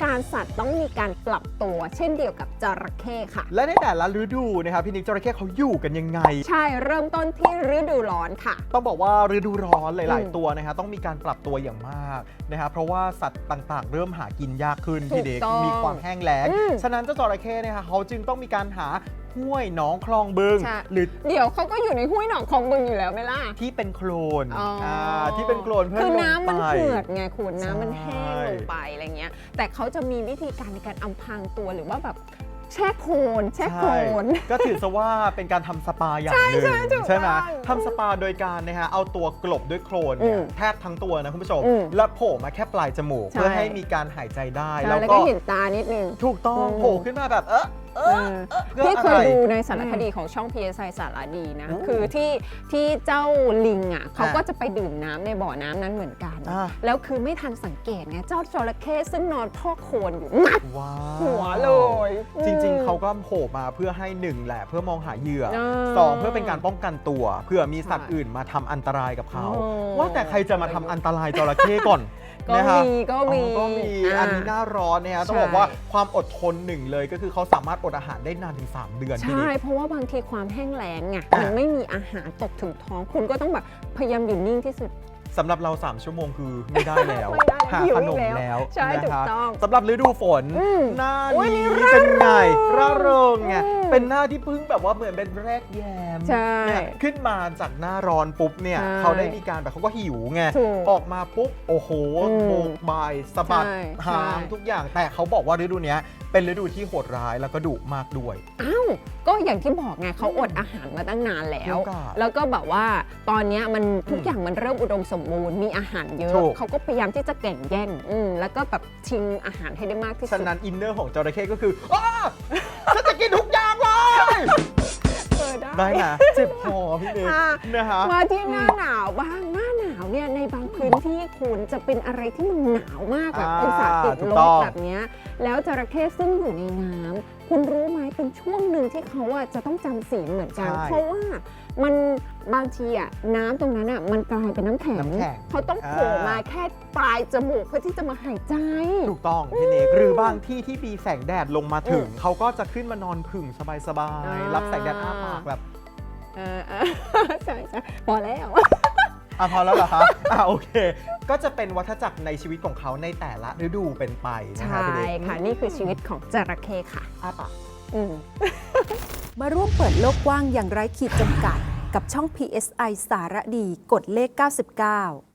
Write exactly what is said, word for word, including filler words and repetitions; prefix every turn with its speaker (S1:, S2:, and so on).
S1: การสัตว์ต้องมีการปรับตัวเช่นเดียวกับจระเข้ค่ะ
S2: และในแต่ละฤดูนะครับพี่นิกจระเข้เขาอยู่กันยังไง
S1: ใช่เริ่มต้นที่ฤดูร้อนค่ะ
S2: ต้องบอกว่าฤดูร้อนหลาย
S1: อืม
S2: ๆ ตัวนะครับต้องมีการปรับตัวอย่างมากนะครับเพราะว่าสัตว์ต่างๆ เริ่มหากินยากขึ้นพี่เด็ก
S1: ถูกต้อง
S2: มีความแห้งแล้ง
S1: อืม
S2: ฉะนั้นเจ้าจระเข้เนี่ยเขาจึงต้องมีการหาห้วยหนองคลองบึง
S1: ใช่
S2: หรือ
S1: เดี๋ยวเขาก็อยู่ในห้วยหนองคลองบึงอยู่แล้วไหมล่ะ
S2: ที่เป็นโคลน
S1: อ๋ออ่
S2: าที่เป็นโคลนเพื่อ
S1: คือ
S2: ลง
S1: น้ำมัน
S2: ไป
S1: เหือดไงคุณน้ำมันแห้ง
S2: ใช่
S1: ลงไปอะไรเงี้ยแต่เขาจะมีวิธีการในการอำพรางตัวหรือว่าแบบแช่โคลนแช่โคลน
S2: ใช่ก็ถือซะว่าเป็นการทำสปาอย่างหนึ่ง
S1: ใช่ถูก
S2: ใช่ไหม
S1: ต้อง
S2: ทำสปาโดยการนะฮะเอาตัวกลบด้วยโคลนเนี่ย
S1: อืม
S2: แทบทั้งตัวนะคุณผู้ชม
S1: อืม
S2: แล้วโผล่มาแค่ปลายจมูก
S1: ใช่
S2: เพื่อให้มีการหายใจได้
S1: ใช่
S2: แล้ว
S1: แล้ว
S2: ก็
S1: ก็เห็นตานิดนึง
S2: ถูกต้อง
S1: อืม
S2: โผล่ขึ้นมาแบบเออเอ
S1: เอ
S2: อ
S1: อ
S2: เพื่อ
S1: ที่เคย
S2: อะไร
S1: ดูในสารคดีของช่อง พี เอส ไอ สารดีนะ
S2: อืม
S1: คือที่ที่เจ้าลิงอ่ะเขา
S2: อ่ะ
S1: ก็จะไปดื่มน้ำในบ่อน้ำนั้นเหมือนกัน
S2: อ่ะ
S1: แล้วคือไม่ทันสังเกตไงเจ้าจระเข้ซึ่งนอนพอกโคลนอยู่งัด
S2: ว้าว
S1: หัวเลย
S2: จริง
S1: อืม
S2: ๆ เขาก็โผล่มาเพื่อให้หนึ่งแหละเพื่อมองหาเหยื่อ
S1: เออ
S2: สองเพื่อเป็นการป้องกันตัวเผื่อมีสัตว์
S1: ใช่
S2: อื่นมาทำอันตรายกับเขา
S1: โอ้
S2: ว่าแต่ใครจะมาทำอันตรายจระเข้ก่อน
S1: ก็
S2: นะฮะ
S1: มีก็มี
S2: อ๋อก็มี
S1: อ่า
S2: อันนี้หน้าร้อนเนี่ยฮะต้อง
S1: ใช่
S2: บอกว่าความอดทนหนึ่งเลยก็คือเขาสามารถอดอาหารได้นานถึงสามเดือนพี่
S1: ใช่
S2: นิก
S1: เพราะว่าบางทีความแห้งแล้งไง
S2: อ่ะ
S1: มันไม่มีอาหารตกถึงท้องคุณก็ต้องแบบพยายามอยู่นิ่งที่สุด
S2: สำหรับเรา สาม ชั่วโมงคือไม่ได้แล้ว
S1: ไม่ได้แล้ว
S2: หา
S1: หิว
S2: ข
S1: อี
S2: น
S1: ก
S2: ม
S1: แล้ว
S2: แล้ว
S1: ใช่
S2: นะ
S1: ถูก
S2: ฮะ
S1: ต้อง
S2: สำหรับฤดูฝน
S1: อืม
S2: หน้า
S1: โอ้ย
S2: นี้
S1: นี่ร่า
S2: เป็นไง
S1: เริง
S2: ร่าเริงไง
S1: อืม
S2: เป็นหน้าที่เพิ่งแบบว่าเหมือนเป็นแรกแยม
S1: ใช่
S2: เนี่ยขึ้นมาจากหน้าร้อนปุ๊บเนี่ย
S1: ใช่
S2: เขาได้มีการแบบเขาก็หิวไง
S1: ถูก
S2: ออกมาปุ๊บโอ้โห
S1: อืม
S2: โบกบายสะบัด
S1: ใช่
S2: หาง
S1: ใช่
S2: ทุกอย่างแต่เขาบอกว่าฤดูเนี้ยเป็นฤดูที่โหดร้ายแล้วก็ดุมากด้วย
S1: อ้าวก็อย่างที่บอกไงเขาอดอาหารมาตั้งนานแล้ว
S2: เดี๋ยวก่อน
S1: แล้วก็แบบว่าตอนเนี้ยมันทุก
S2: อืม
S1: อย่างมันเริ่มอุดมสมบูรณ์มีอาหารเยอะ
S2: ถูก
S1: เขาก็พยายามที่จะแข่งแย่งอืมแล้วก็แบบชิงอาหารให้ได้มากที่สุ
S2: ฉะ
S1: ด
S2: นั้นอินเนอร์ของจระเข้ก็คืออ้าฉันจะกินทุกอย่างเลย
S1: เออได้
S2: ได้นะเจ็บคอพี่เด็ก
S1: อ่ะ
S2: นะฮะ
S1: มาที่หน้าหนาวบ้างหน้าหนาวเนี่ยในบางพื้นที่คุณจะเป็นอะไรที่มันหนาวมากแบบ
S2: อ่า
S1: องศาติด
S2: ถู
S1: ล
S2: กต้
S1: บ
S2: อง
S1: แบบเนี้ยแล้วจระเข้ซึ่งอยู่ในน้ำคุณรู้ไหมเป็นช่วงหนึ่งที่เขาอะจะต้องจำศีลเหมือนกัน
S2: ใช่
S1: เพราะว่ามันบางทีอะน้ำตรงนั้นอะมันกลายเป็นน้ำแข็ง
S2: น้ำแข็ง
S1: เขาต้องโผล่
S2: อ่าม
S1: มาแค่ปลายจมูกเพื่อที่จะมาหายใจ
S2: ถูกต้องพี่เนกหรือบางที่ที่มีแสงแดดลงมาถึง
S1: อืม
S2: เขาก็จะขึ้นมานอนผึ่งสบาย
S1: อ่า
S2: ๆ รับแสงแดดอ้าปากแบบ
S1: เออเออ ใช่ใช่พอแล้ว
S2: อ่ะพอแล้วเหรอคะ อ่ะโอเค ก็จะเป็นวัฏจักรในชีวิตของเขาในแต่ละฤดูเป็นไปนะ
S1: ใช่
S2: คะพี่เนก
S1: ค่ะนี่คือชีวิตของจระเข้ค่ะ
S2: อ้าปาก
S1: อืม
S3: มาร่วมเปิดโลกกว้างอย่างไร้ขีดจำกัด กับช่อง พี เอส ไอ สารดีกดเลขเก้าสิบเก้า